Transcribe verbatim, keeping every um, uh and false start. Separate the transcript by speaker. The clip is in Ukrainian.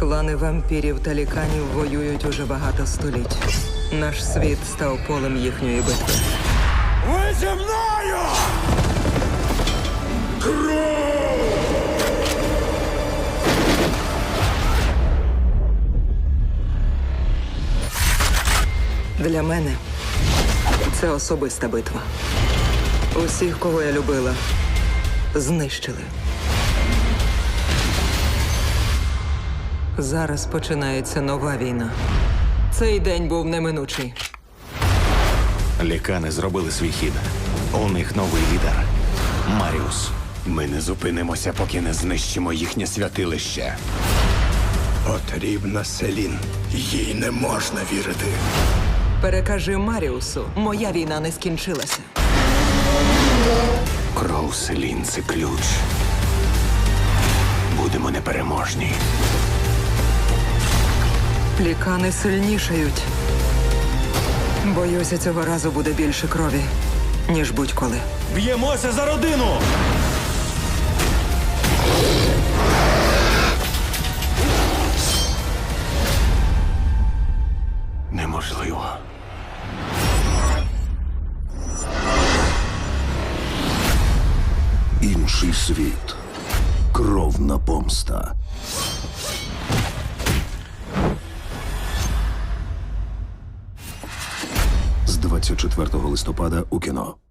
Speaker 1: Клани вампірів та ліканів воюють уже багато століть. Наш світ став полем їхньої битви.
Speaker 2: Ви зі мною! Кров!
Speaker 1: Для мене це особиста битва. Усіх, кого я любила, знищили. Зараз починається нова війна. Цей день був неминучий.
Speaker 3: Лікани зробили свій хід. У них новий лідер – Маріус.
Speaker 2: Ми не зупинимося, поки не знищимо їхнє святилище. Потрібна Селін. Їй не можна вірити.
Speaker 1: Перекажи Маріусу, моя війна не скінчилася.
Speaker 3: Кров Селін – це ключ. Будемо непереможні.
Speaker 1: Лікани сильнішають. Боюся, цього разу буде більше крові, ніж будь-коли.
Speaker 3: Б'ємося за родину! Неможливо.
Speaker 4: Інший світ. Кровна помста. З двадцять четвертого листопада у кіно.